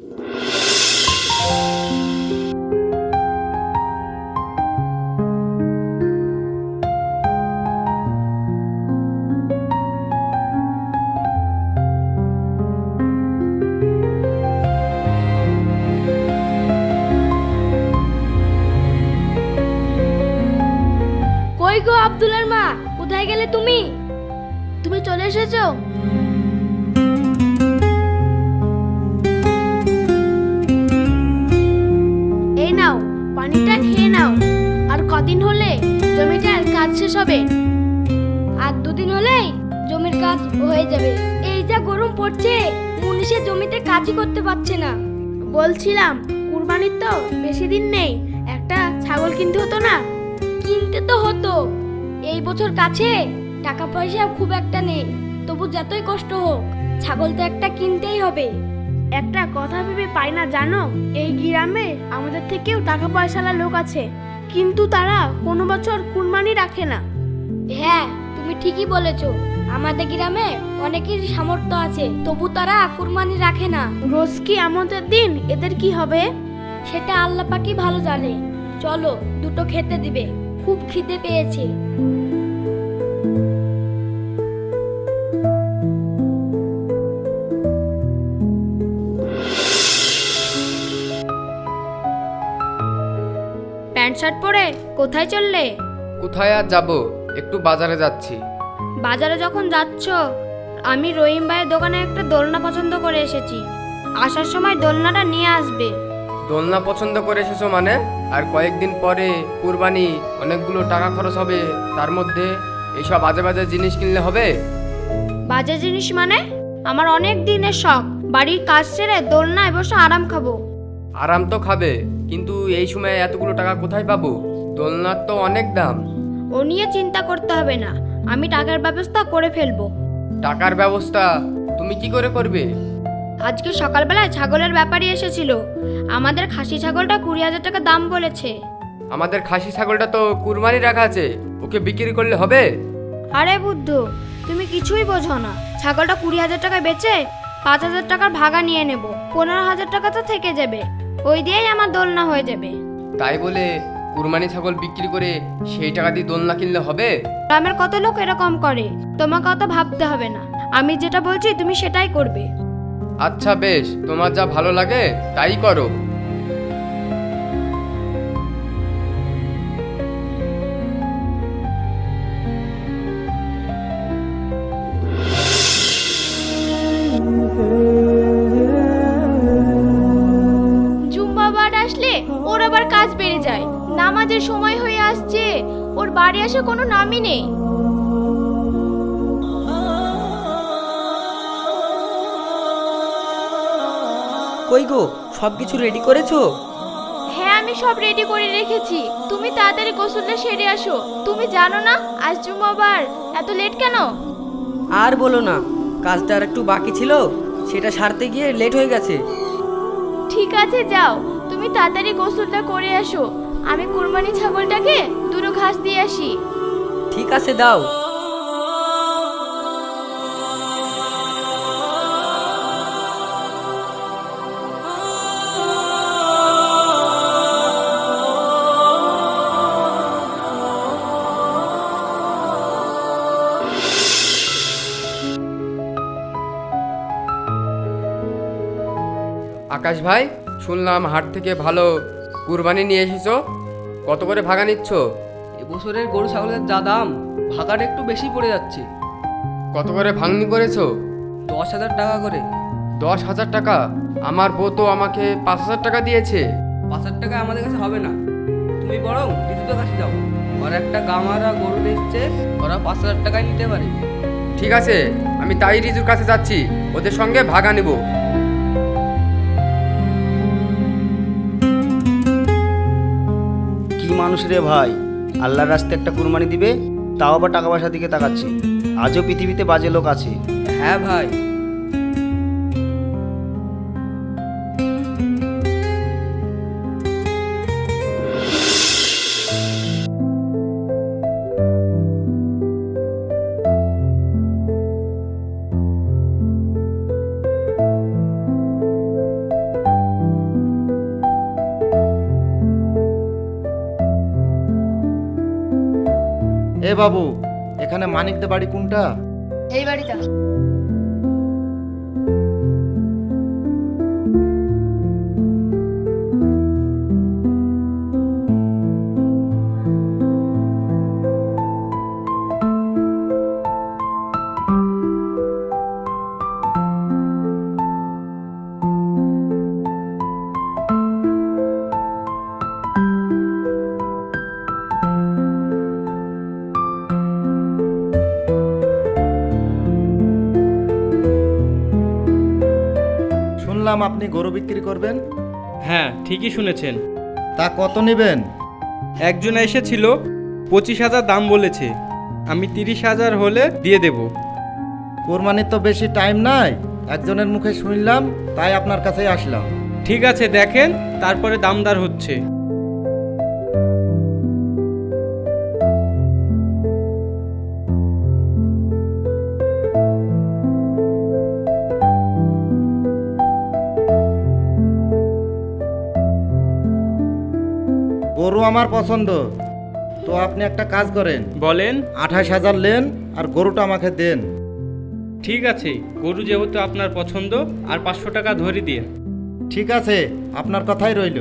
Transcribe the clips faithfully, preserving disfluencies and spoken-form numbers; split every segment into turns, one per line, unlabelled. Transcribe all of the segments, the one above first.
কই গো আব্দুলের মা, কোথায় গেলে তুমি? তুমি চলে এসেছো? এই নাও, পানিটা খেয়ে নাও। আর কদিন হলে জমিটার কাজ শেষ হবে? আর দুদিন হলেই জমির কাজ হয়ে যাবে। এই যা গরম পড়ছে, মুনিশে জমিতে কাজই করতে পারছে না। বলছিলাম, কুরবানির তো বেশি দিন নেই, একটা ছাগল কিনতে হতো না? কিনতে তো হতো, এই বছর কাছে টাকা পয়সা খুব একটা নেই। তবু যতই কষ্ট হোক, ছাগল তো একটা কিনতেই হবে। একটা কথা ভেবে পাই না জানো, এই গ্রামে আমাদের থেকেও টাকা পয়সাওয়ালা লোক আছে, কিন্তু তারা কোনো বছর কুরবানি রাখে না। হ্যাঁ, তুমি ঠিকই বলেছো। আমাদের গ্রামে অনেকের সামর্থ্য আছে, তবু তারা কুরবানি রাখে না। রোজ কি আমাদের দিন, এদের কি হবে সেটা আল্লাহ পাকই ভালো জানে। চলো, দুটো খেতে দিবে, খুব খিদে পেয়েছে। প্যান্ট শার্ট পরে কোথায় চললে?
কোথায় আর যাব, একটু বাজারে যাচ্ছি।
বাজারে যখন যাচ্ছ, আমি রহিম ভাইয়ের দোকানে একটা দোলনা পছন্দ করে এসেছি। আসার সময় দোলনাটা নিয়ে আসবে।
দোলনা পছন্দ করে এসেছো মানে? আর কয়েকদিন পরে কুরবানি, অনেকগুলো টাকা খরচ হবে, তার মধ্যে এইসব বাজে বাজে জিনিস কিনলে হবে?
বাজে জিনিস মানে? আমার অনেক দিনের শখ, বাড়ির কাজ ছেড়ে দোলনায় বসে আরাম খাবো।
আরাম তো খাবে, কিন্তু এই সময় এতগুলো টাকা কোথায় পাবো? দোলনার তো অনেক দাম।
ও নিয়ে চিন্তা করতে হবে না, আমি টাকার ব্যবস্থা করে ফেলবো।
টাকার ব্যবস্থা তুমি কি করে করবে?
আজকে সকালবেলায় ছাগলের ব্যাপারী এসেছিল। আমাদের খাসি ছাগলটা কুড়ি হাজার টাকা দাম বলেছে।
আমাদের খাসি ছাগলটা তো কুরবানি রাখা আছে, ওকে বিক্রি করলে হবে?
আরে বুদ্ধ, তুমি কিছুই বোঝো না। ছাগলটা কুড়ি হাজার টাকায় বেচে পাঁচ হাজার টাকার ভাগা নিয়ে নেব, পনেরো হাজার টাকা তো থেকে যাবে। ওই দিয়েই আমার দোলনা হয়ে যাবে।
তাই বলে কুরবানি ছাগল বিক্রি করে সেই টাকা দিয়ে দোলনা কিনলে হবে?
গ্রামের কত লোক এরকম করে, তোমাকে অত ভাবতে হবে না। আমি যেটা বলছি তুমি সেটাই করবে।
আচ্ছা বেশ, তোমার যা ভালো লাগে তাই করো।
জুম্মাবার আসলে ওর আবার কাজ বেড়ে যায়। নামাজের সময় হয়ে আসছে, ওর বাড়ি আসে কোনো নামই নেই।
কই গো, সব কিছু রেডি করেছো?
হ্যাঁ, আমি সব রেডি করে রেখেছি। তুমি তাড়াতাড়ি গোসলটা সেরে আসো। তুমি জানো না আজ জুম্মাবার, এত লেট কেন?
আর বলো না, কাজটা আর একটু বাকি ছিল, সেটা সারতে গিয়ে লেট হয়ে গেছে।
ঠিক আছে, যাও, তুমি তাড়াতাড়ি গোসলটা করে আসো। আমি কুরবানি ছাগলটাকে দুটো ঘাস দিয়ে আসি।
ঠিক আছে, দাও।
আকাশ ভাই, শুনলাম হাট থেকে ভালো কুরবানি নিয়ে এসেছো, কত করে ভাগা নিচ্ছ?
এবছরের গরু ছাগলের যা দাম, ভাগাটা একটু বেশি পড়ে যাচ্ছে।
কত করে ভাঙনি করেছো?
দশ হাজার টাকা করে।
দশ হাজার টাকা? আমার বউ তো আমাকে পাঁচ হাজার টাকা দিয়েছে।
পাঁচ হাজার টাকা আমাদের কাছে হবে না, তুমি বরং ঋতুদের কাছে যাও। ওরা একটা গামারা গরু নিচ্ছে, ওরা পাঁচ হাজার টাকায় নিতে পারে।
ঠিক আছে, আমি তাই রিজুর কাছে যাচ্ছি, ওদের সঙ্গে ভাগা নিব।
কি মানুষ রে ভাই, আল্লাহর রাস্তায় একটা কুরবানি দিবে, তাও আবার টাকা পয়সার দিকে তাকাচ্ছে। আজও পৃথিবীতে বাজে লোক আছে।
হ্যাঁ ভাই,
এ বাবু, এখানে মানিকদের বাড়ি কোনটা?
এই বাড়িটা।
শুনলাম আপনি গরু বিক্রি করবেন।
হ্যাঁ, ঠিকই শুনেছেন।
তা কত নেবেন?
একজন এসেছিল, পঁচিশ হাজার দাম বলেছে। আমি তিরিশ হাজার হলে দিয়ে দেব।
কোরবানির তো বেশি টাইম নাই, একজনের মুখে শুনলাম তাই আপনার কাছেই আসলাম।
ঠিক আছে, দেখেন, তারপরে দামদার হচ্ছে।
গরু আমার পছন্দ, তো আপনি একটা কাজ করেন,
বলেন।
আঠাশ হাজার নেন আর গরুটা আমাকে দেন।
ঠিক আছে, গরু যেহেতু আপনার পছন্দ, আর পাঁচশো টাকা ধরে দিন।
ঠিক আছে, আপনার কথাই রইল।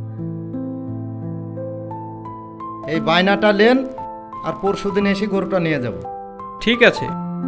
এই বায়নাটা নেন আর পরশু দিন এসে গরুটা নিয়ে যাব।
ঠিক আছে।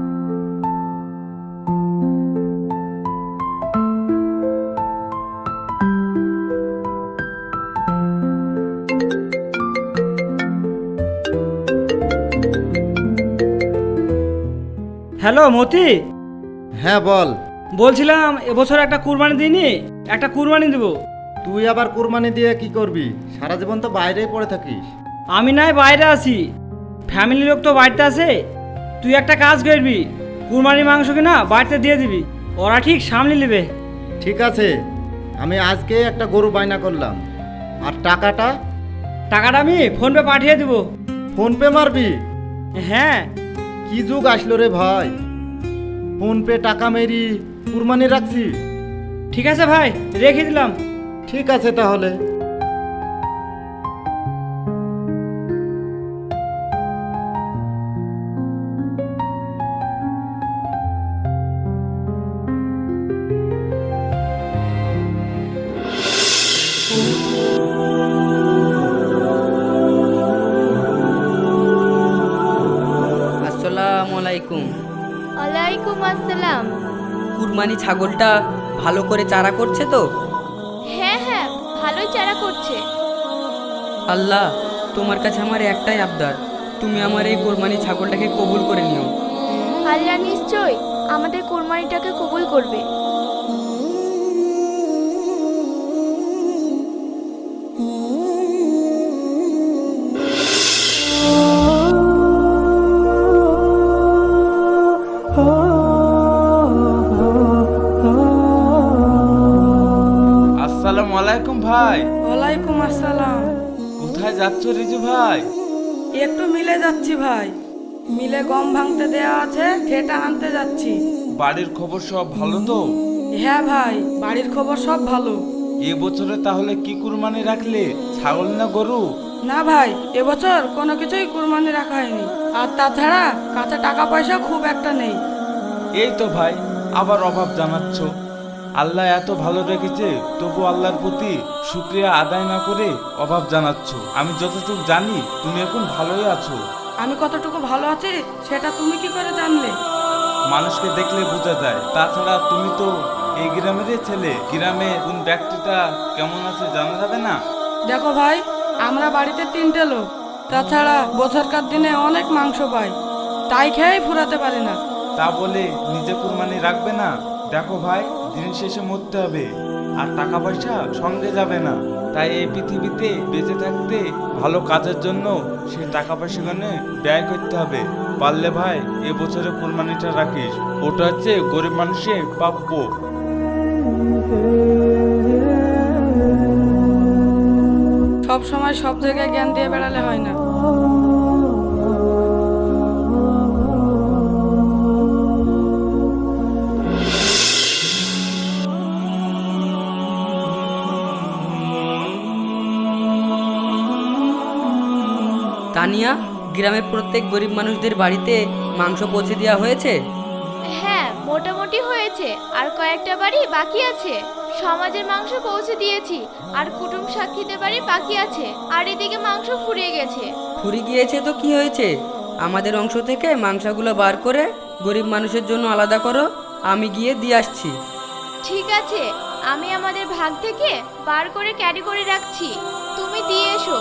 হ্যালো মতি,
হ্যাঁ বল।
বলছিলাম এবছর একটা কুরবানি দিইনি, একটা কুরবানি দেব।
তুই আবার কুরবানি দিয়ে কি করবি? সারা জীবন তো বাইরেই পড়ে থাকিস।
আমি নাই বাইরে আছি, ফ্যামিলি লোক তো বাড়িতে আছে। তুই একটা কাজ করবি, কুরবানির মাংস কিনা বাড়িতে দিয়ে দিবি, ওরা ঠিক সামলে নেবে।
ঠিক আছে, আমি আজকে একটা গরু বায়না করলাম। আর টাকাটা?
টাকাটা আমি ফোনপে পাঠিয়ে দেবো।
ফোন পে মারবি?
হ্যাঁ।
কি যুগ আসলো রে ভাই, ফোন পে টাকা মেরি কুরবানি রাখছি।
ঠিক আছে ভাই, রেখে দিলাম।
ঠিক আছে তাহলে।
আসসালামু আলাইকুম।
ওয়ালাইকুম আসসালাম।
কুরবানি ছাগলটা ভালো করে চারা করছে তো?
হ্যাঁ হ্যাঁ, ভালোই চারা করছে।
আল্লাহ, তোমার কাছে আমার একটাই আবদার, তুমি আমার এই কোরবানি ছাগলটাকে কবুল করে নিও।
আল্লাহ নিশ্চয় আমাদের কোরবানিটাকে কবুল করবে।
আসসালামু আলাইকুম ভাই।
ওয়ালাইকুম আসসালাম।
কোথায় যাচ্ছ রিজু ভাই?
একটু মিলে যাচ্ছি ভাই, মিলে গম ভাঙতে দেয়া আছে, সেটা আনতে যাচ্ছি।
বাড়ির খবর সব ভালো তো?
হ্যাঁ ভাই, বাড়ির খবর সব ভালো।
এবছরে তাহলে কি কুরবানি রাখলে, ছাগল না গরু?
না ভাই, এবছর কোনো কিছুই কুরবানি রাখা হয়নি, আর তাছাড়া কাছে টাকা পয়সা খুব একটা নেই।
এই তো ভাই, আবার অভাব জানাচ্ছ। আল্লাহ এত ভালো রেখেছে, তবু আল্লাহর প্রতি শুকরিয়া আদায় না করে অভাব জানাচ্ছ। আমি যতটুকু জানি তুমি এখন ভালোই আছো।
আমি কতটুকু ভালো আছি সেটা তুমি কি করে জানলে?
মানুষকে দেখলে বোঝা যায়। তাছাড়া তুমি তো এই গ্রামেরই ছেলে, গ্রামে কোন ব্যক্তিটা কেমন আছে জানা যাবে না?
দেখো ভাই, আমরা বাড়িতে তিনটে লোক, তাছাড়া বছরকার দিনে অনেক মাংস পাই, তাই খেয়েই ফুরাতে পারি না।
তা বলে নিজে কুরবানি রাখবে না? দেখো ভাই, দিন শেষে মরতে হবে, আর টাকা পয়সা সঙ্গে যাবে না। তাই এই পৃথিবীতে বেঁচে থাকতে ভালো কাজের জন্য সেই টাকা পয়সাগুলো ব্যয় করতে হবে। পারলে ভাই এবছরে কুরবানিটা রাখিস, ওটা হচ্ছে গরিব মানুষের প্রাপ্য।
সব সময় সব জায়গায় জ্ঞান দিয়ে বেড়ালে হয় না।
তানিয়া, গ্রামের প্রত্যেক গরিব মানুষদের বাড়িতে মাংস পৌঁছে দেওয়া হয়েছে?
হ্যাঁ, মোটামুটি হয়েছে, আর কয়েকটা বাড়ি বাকি আছে। সমাজের মাংস পৌঁছে দিয়েছি, আর কুটুম সাক্ষীদের বাড়ি বাকি আছে, আর এদিকে মাংস ফুরিয়ে গেছে।
ফুরি গিয়েছে তো কি হয়েছে? আমাদের অংশ থেকে মাংসগুলো বার করে গরিব মানুষের জন্য আলাদা করো, আমি গিয়ে দিয়ে আসছি।
ঠিক আছে, আমি আমাদের ভাগ থেকে বার করে ক্যারি করে রাখছি, তুমি দিয়ে এসো।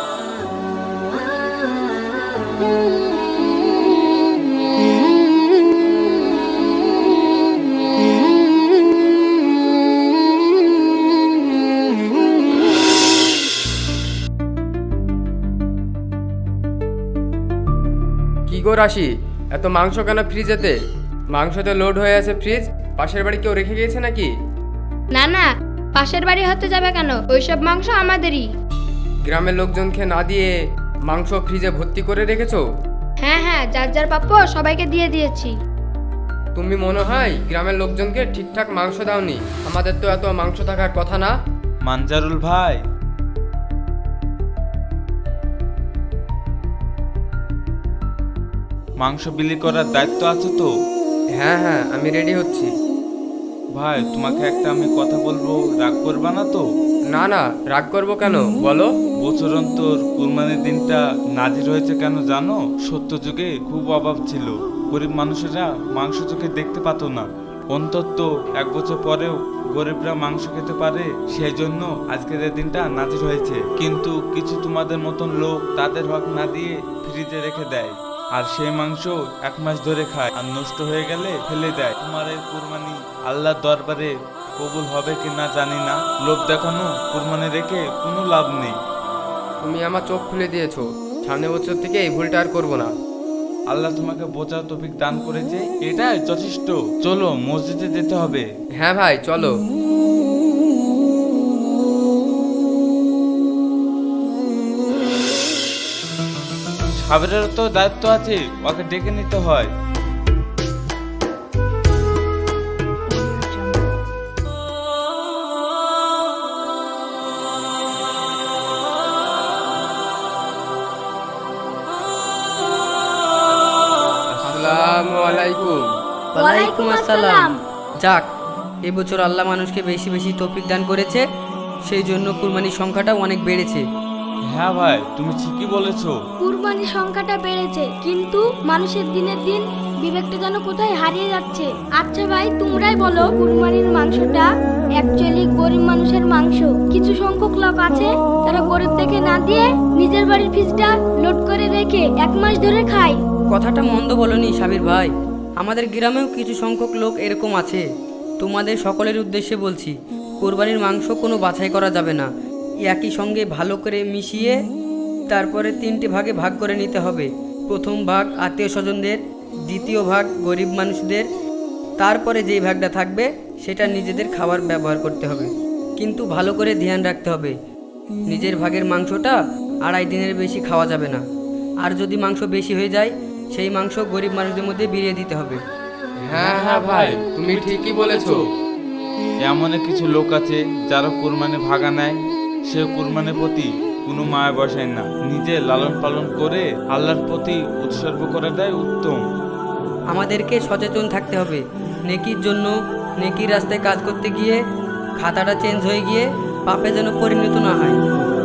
কি গো রাশি, এত মাংস কেন ফ্রিজেতে? মাংসতে লোড হয়ে আছে ফ্রিজ, পাশের বাড়ি কেউ রেখে গিয়েছে নাকি?
না না, পাশের বাড়ি হতে যাবে কেন? ওইসব মাংস আমাদেরই।
গ্রামের লোকজনকে না দিয়ে মাংস ফ্রিজে ভর্তি করে রেখেছো?
হ্যাঁ হ্যাঁ, যার যার প্রাপ্য সবাইকে দিয়ে দিয়েছি।
তুমি মনে হয় গ্রামের লোকজনকে ঠিকঠাক মাংস দাওনি। আমাদের তো এত মাংস থাকার কথা না।
মানজারুল ভাই, মাংস বিলি করার দায়িত্ব আছে তো?
হ্যাঁ হ্যাঁ, আমি রেডি হচ্ছি।
ভাই, তোমাকে একটা আমি কথা বলবো, রাগ করবা না তো?
না না, রাগ করবো কেন, বলো।
বছর অন্তর কুরবানির দিনটা নাজির হয়েছে কেন জানো? সত্য যুগে খুব অভাব ছিল, গরিব মানুষেরা মাংস চোখে দেখতে পাতো না। অন্তত এক বছর পরেও গরিবরা মাংস খেতে পারে, সেই জন্য আজকের এই দিনটা নাজির হয়েছে। কিন্তু কিছু তোমাদের মতন লোক তাদের হক না দিয়ে ফ্রিজে রেখে দেয়, আর সেই মাংস এক মাস ধরে খায়, আর নষ্ট হয়ে গেলে ফেলে দেয়। তোমার এই কুরবানি আল্লাহর দরবারে কবুল হবে কি না জানি না। লোভ দেখানো কুরবানি রেখে কোনো লাভ নেই।
তুমি আমার চোখ খুলে দিয়েছো, সামনে বছর থেকে এই ভুলটা আর করবো না।
আল্লাহ তোমাকে বোঝার তৌফিক দান করেছে, এটাই যথেষ্ট। চলো, মসজিদে যেতে হবে।
হ্যাঁ ভাই, চলো।
সাবেরের তো দায়িত্ব আছে, ওকে ডেকে নিতে হয়।
আসসালামু আলাইকুম।
ওয়ালাইকুম আসসালাম। যাক, এবছর আল্লাহ মানুষকে বেশি বেশি তৌফিক দান করেছে, সেই জন্য কুরবানির সংখ্যাটা অনেক বেড়েছে।
হ্যাঁ ভাই, তুমি ঠিকই বলেছো।
কুরবানির সংখ্যাটা বেড়েছে, কিন্তু মানুষের দিনের দিন বিবেকটা যেন কোথায় হারিয়ে যাচ্ছে। আচ্ছা ভাই, তোমরাই বলো, কুরবানির মাংসটা অ্যাকচুয়ালি গরিব মানুষের মাংস। কিছু সংখ্যক লোক আছে তারা গরিব দেখে না দিয়ে নিজের বাড়ির ফ্রিজটা লোড করে রেখে এক মাস ধরে খায়।
কথাটা মন্দ বলনি সাবির ভাই, আমাদের গ্রামেও কিছু সংখ্যক লোক এরকম আছে। তোমাদের সকলের উদ্দেশ্যে বলছি, কোরবানির মাংস কোনো বাছাই করা যাবে না, একই সঙ্গে ভালো করে মিশিয়ে তারপরে তিনটে ভাগে ভাগ করে নিতে হবে। প্রথম ভাগ আত্মীয় স্বজনদের, দ্বিতীয় ভাগ গরিব মানুষদের, তারপরে যেই ভাগটা থাকবে সেটা নিজেদের খাবার ব্যবহার করতে হবে। কিন্তু ভালো করে ধ্যান রাখতে হবে, নিজের ভাগের মাংসটা আড়াই দিনের বেশি খাওয়া যাবে না। আর যদি মাংস বেশি হয়ে যায়, সেই মাংস গরিব মানুষদের মধ্যে বিলিয়ে দিতে হবে।
হ্যাঁ হ্যাঁ ভাই, তুমি ঠিকই বলেছো।
এমন কিছু লোক আছে যারা কুরবানি ভাগা নেয়, সে কুরবানির প্রতি কোনো মায়া বসায় না, নিজে লালন পালন করে আল্লাহর প্রতি উৎসর্গ করে দেয় উত্তম।
আমাদেরকে সচেতন থাকতে হবে, নেকির জন্য নেকির রাস্তায় কাজ করতে গিয়ে খাতাটা চেঞ্জ হয়ে গিয়ে পাপে যেন পরিণত না হয়।